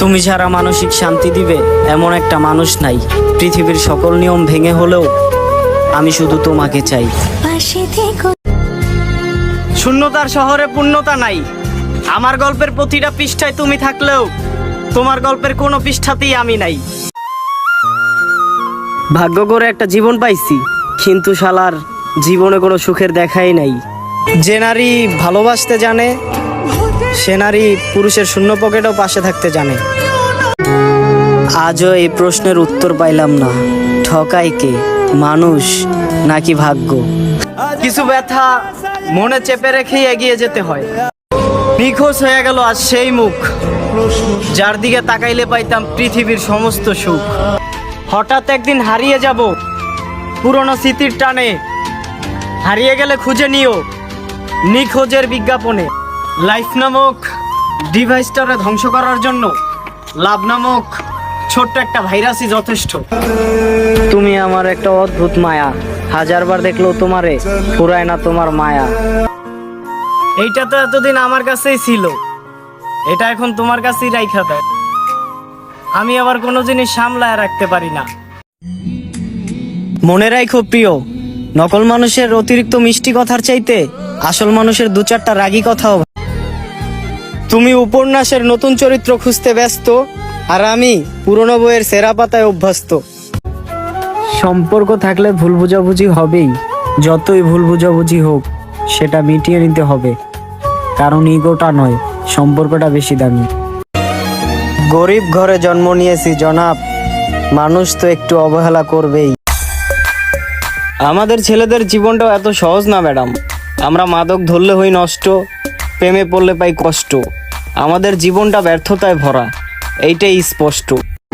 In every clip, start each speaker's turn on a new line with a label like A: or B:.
A: তুমি ছাড়া মানসিক শান্তি দিবে এমন একটা মানুষ নাই। পৃথিবীর সকল নিয়ম ভেঙে হলেও আমি শুধু তোমাকে চাই। শূন্যতার শহরে পূর্ণতা নাই। আমার গল্পের প্রতিটা পৃষ্ঠায় তুমি থাকলেও তোমার গল্পের কোনো পৃষ্ঠাতেই আমি নাই। ভাগ্য করে একটা জীবন পাইছি, কিন্তু শালার জীবনে কোনো সুখের দেখাই নাই। যে নারী ভালোবাসতে জানে সে নারী পুরুষের শূন্য পকেটও পাশে থাকতে জানে। আজও এই প্রশ্নের উত্তর পাইলাম না, ঠকাই কে, মানুষ নাকি ভাগ্য? কিছু ব্যথা মনে চেপে রেখেই এগিয়ে যেতে হয়। নিখোঁজ হয়ে গেল আজ সেই মুখ, যার দিকে তাকাইলে পাইতাম পৃথিবীর সমস্ত সুখ। হঠাৎ একদিন হারিয়ে যাব পুরনো স্মৃতির টানে, হারিয়ে গেলে খুঁজে নিও নিখোঁজের বিজ্ঞাপনে। লাইফ নামক ডিভাইসটারে ধ্বংস করার জন্য লাভ নামক ছোট্ট একটা ভাইরাসই যথেষ্ট। তুমি আমার একটা অদ্ভুত মায়া, হাজারবার দেখলেও তোমারে ফুরায় না তোমার মায়া। এইটা তো এতদিন আমার কাছেই ছিল, এটা এখন তোমার কাছেই রাইখা দেয়। আমি আবার কোনো জিনিস সামলায় রাখতে পারি না। মনে রাখো প্রিয়, নকল মানুষের অতিরিক্ত মিষ্টি কথার চাইতে আসল মানুষের দু চারটা রাগী কথাও। তুমি উপন্যাসের নতুন চরিত্র খুঁজতে ব্যস্ত, আর আমি পুরনো বইয়ের সেরা পাতায় অভ্যস্ত। সম্পর্ক থাকলে ভুল বুঝাবুঝি হবেই, যতই ভুল বুঝাবুঝি হোক সেটা মিটিয়ে নিতে হবে, কারণ ইগোটা নয়, সম্পর্কটা বেশি দামি। গরিব ঘরে জন্ম নিয়েছি জনাব, মানুষ তো একটু অবহেলা করবেই। আমাদের ছেলেদের জীবনটাও এত সহজ না ম্যাডাম। আমরা মাদক ধরলে হই নষ্ট, প্রেমে পড়লে পাই কষ্ট। আমাদের জীবনটা ব্যর্থতায় ভরা, এইটাই স্পষ্ট।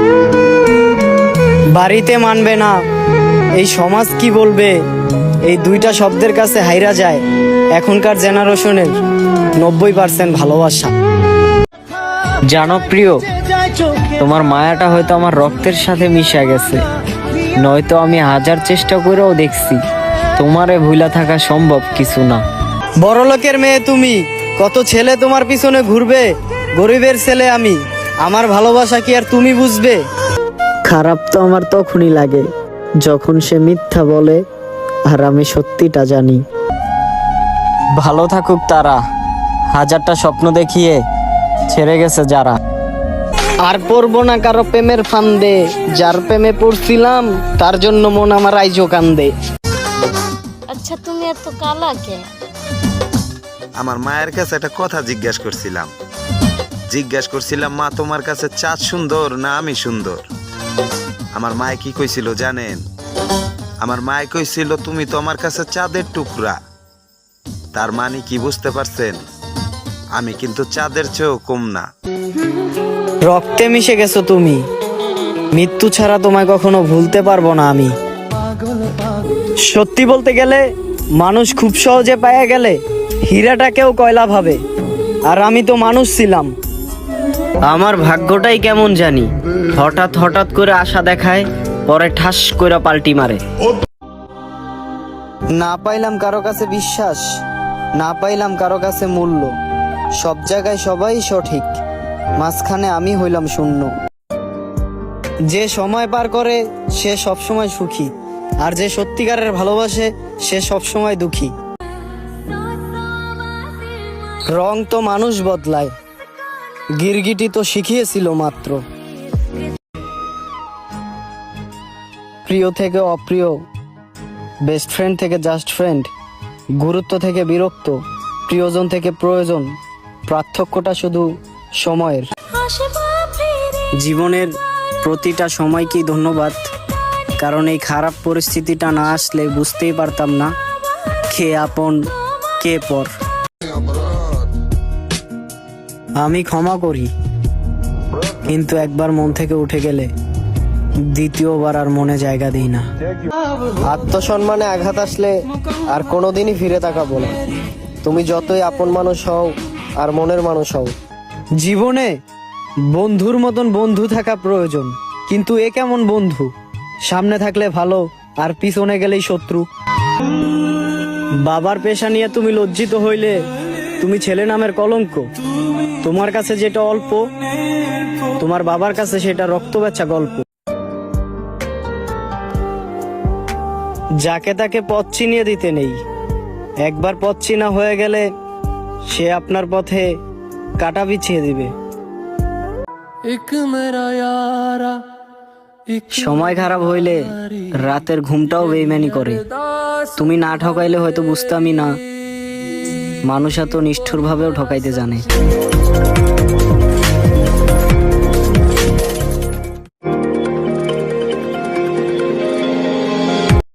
A: বাড়িতে মানবে না, এই সমাজ কি বলবে, এই দুইটা শব্দের কাছে হাইরা যায় এখনকার জেনারেশনের 90% ভালোবাসা। জানো প্রিয়, তোমার মায়াটা হয়তো আমার রক্তের সাথে মিশে গেছে, নয়তো আমি হাজার চেষ্টা করেও দেখছি তোমারে ভুলা থাকা সম্ভব কিছু না। বড়লোকের মেয়ে তুমি, কত ছেলে তোমার পিছনে ঘুরবে, গরিবের ছেলে আমি, আমার ভালোবাসা কি আর তুমি বুঝবে? খারাপ তো আমার তখনই লাগে যখন সে মিথ্যা বলে আর আমি সত্যিটা জানি। ভালো থাকুক তারা, হাজারটা স্বপ্ন দেখিয়ে ছেড়ে গেছে যারা। আর পড়বো না কারো প্রেমের ফান্দে, যার প্রেমে পড়ছিলাম তার জন্য মন আমার আইজো কান্দে।
B: আচ্ছা তুমি এত কালা কে?
C: আমার মায়ের কাছে একটা কথা জিজ্ঞাসা করছিলাম, মা তোমার কাছে চাঁদ সুন্দর না আমি সুন্দর? আমার মায়ে কি কইছিল জানেন? আমার মায়ে কইছিল তুমি তো আমার কাছে চাঁদের টুকরা। তার মানে কি বুঝতে পারছেন? আমি কিন্তু চাঁদের চেয়েও কম না।
A: রক্তে মিশে গেছো তুমি, মৃত্যু ছাড়া তোমায় কখনো ভুলতে পারবো না আমি। সত্যি বলতে গেলে মানুষ খুব সহজে পাওয়া গেলে হীরাটাকেও কয়লা ভাবে, আর আমি তো মানুষ ছিলাম। আমার ভাগ্যটাই কেমন জানি, হঠাৎ হঠাৎ করে আশা দেখায়, পরে ঠাস করে পাল্টি মারে। না পাইলাম কারো কাছে বিশ্বাস, না পাইলাম কারো কাছে মূল্য, সব জায়গায় সবাই সঠিক, মাঝখানে আমি হইলাম শূন্য। যে সময় পার করে সে সব সময় সুখী, আর যে সত্যিকারের ভালোবাসে সে সব সময় দুঃখী। রং তো মানুষ বদলায়, গিরগিটি তো শিখিয়েছিল মাত্র। প্রিয় থেকে অপ্রিয়, বেস্ট ফ্রেন্ড থেকে জাস্ট ফ্রেন্ড, গুরুত্ব থেকে বিরক্ত, প্রিয়জন থেকে প্রয়োজন, পার্থক্যটা শুধু সময়ের। জীবনের প্রতিটা সময়কেই ধন্যবাদ, কারণ এই খারাপ পরিস্থিতিটা না আসলে বুঝতেই পারতাম না কে আপন কে পর। আমি ক্ষমা করি, কিন্তু একবার মন থেকে উঠে গেলে দ্বিতীয়বার আর মনে জায়গা দিই না। আত্মসম্মানে আঘাত আসলে আর কোনোদিনই ফিরে তাকাবো না। তুমি যতই আপন মানুষ হও আর মনের মানুষ হও, জীবনে বন্ধুর মতন বন্ধু থাকা প্রয়োজন। কিন্তু এ কেমন বন্ধু, সামনে থাকলে ভালো আর পিছনে গেলেই শত্রু। বাবার পেশা নিয়ে তুমি লজ্জিত হইলে তুমি ছেলে নামের কলঙ্ক। তোমার কাছে যেটা অল্প, তোমার বাবার কাছে সেটা রক্ত বেচা গল্প। যাকে তাকে পথ চিনিয়ে দিতে নেই, একবার পথ চিনা হয়ে গেলে সে আপনার পথে কাঁটা বিছিয়ে দিবে। সময় খারাপ হইলে রাতের ঘুমটাও বেইমানি করে। তুমি না ঠকাইলে হয়তো বুঝতামই না, মানুষ এত নিষ্ঠুর ভাবেও ঠকাইতে জানে।